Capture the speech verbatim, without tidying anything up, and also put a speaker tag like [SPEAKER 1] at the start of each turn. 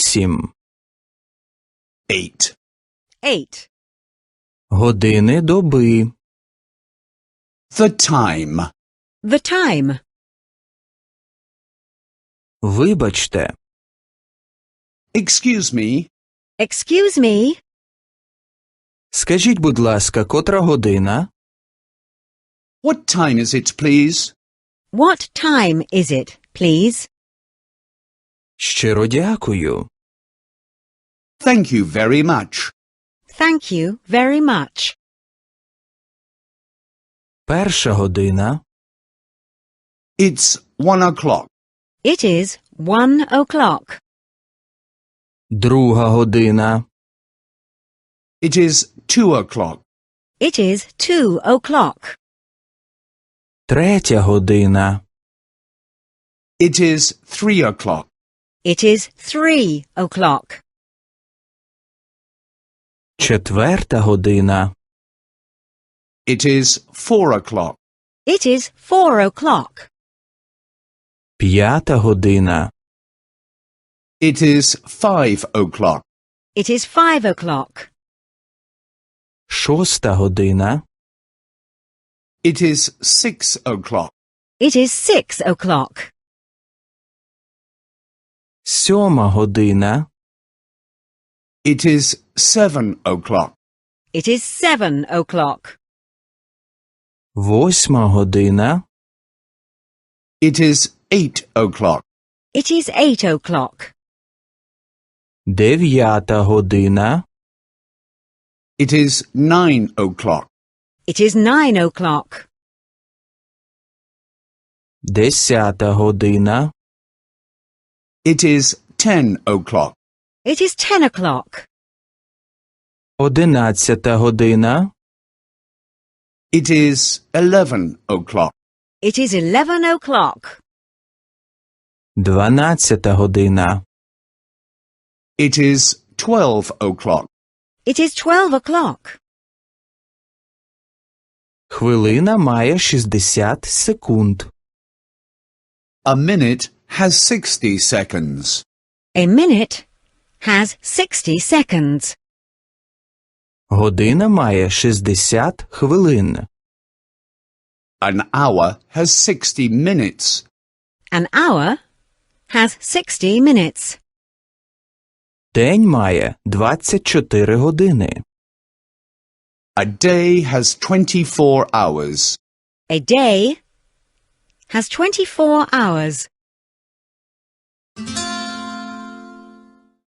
[SPEAKER 1] Вісім.
[SPEAKER 2] Eight.
[SPEAKER 3] Eight.
[SPEAKER 1] Години доби.
[SPEAKER 2] The time.
[SPEAKER 3] The time.
[SPEAKER 1] Вибачте.
[SPEAKER 2] Excuse me.
[SPEAKER 3] Excuse me.
[SPEAKER 1] Скажіть, будь ласка, котра година?
[SPEAKER 2] What time is it, please?
[SPEAKER 3] What time is it, please?
[SPEAKER 1] Щиро дякую.
[SPEAKER 2] Thank you very much.
[SPEAKER 3] Thank you very much.
[SPEAKER 1] Перша година.
[SPEAKER 2] It's one o'clock.
[SPEAKER 3] It is one o'clock.
[SPEAKER 1] Друга година.
[SPEAKER 2] It is two o'clock.
[SPEAKER 3] It is two o'clock.
[SPEAKER 1] Третя година.
[SPEAKER 2] It is three o'clock.
[SPEAKER 3] It is three o'clock.
[SPEAKER 1] Четверта година.
[SPEAKER 2] It is four o'clock.
[SPEAKER 3] It is four o'clock.
[SPEAKER 1] П'ята година.
[SPEAKER 2] It is five o'clock.
[SPEAKER 3] It is five o'clock.
[SPEAKER 1] Шоста година.
[SPEAKER 2] It is six o'clock.
[SPEAKER 3] It is six o'clock.
[SPEAKER 1] Сьома година.
[SPEAKER 2] It is seven o'clock.
[SPEAKER 3] It is seven o'clock.
[SPEAKER 1] Восьма година.
[SPEAKER 2] It is eight o'clock.
[SPEAKER 3] It is eight o'clock.
[SPEAKER 1] Дев'ята година.
[SPEAKER 2] It is nine o'clock.
[SPEAKER 3] It is nine o'clock.
[SPEAKER 1] Десята година.
[SPEAKER 2] It is ten o'clock.
[SPEAKER 3] It is ten o'clock.
[SPEAKER 1] Одинадцята година.
[SPEAKER 2] It is eleven o'clock.
[SPEAKER 3] It is eleven o'clock.
[SPEAKER 1] Дванадцята година.
[SPEAKER 2] It is twelve o'clock.
[SPEAKER 3] It is twelve o'clock.
[SPEAKER 1] Хвилина має шістдесят секунд.
[SPEAKER 2] A minute has sixty seconds.
[SPEAKER 3] A minute has sixty seconds.
[SPEAKER 1] Година має шістдесят хвилин.
[SPEAKER 2] An hour has sixty minutes.
[SPEAKER 3] An hour has sixty minutes.
[SPEAKER 1] День має двадцять чотири години.
[SPEAKER 2] A day has twenty-four hours.
[SPEAKER 3] A day has twenty-four hours.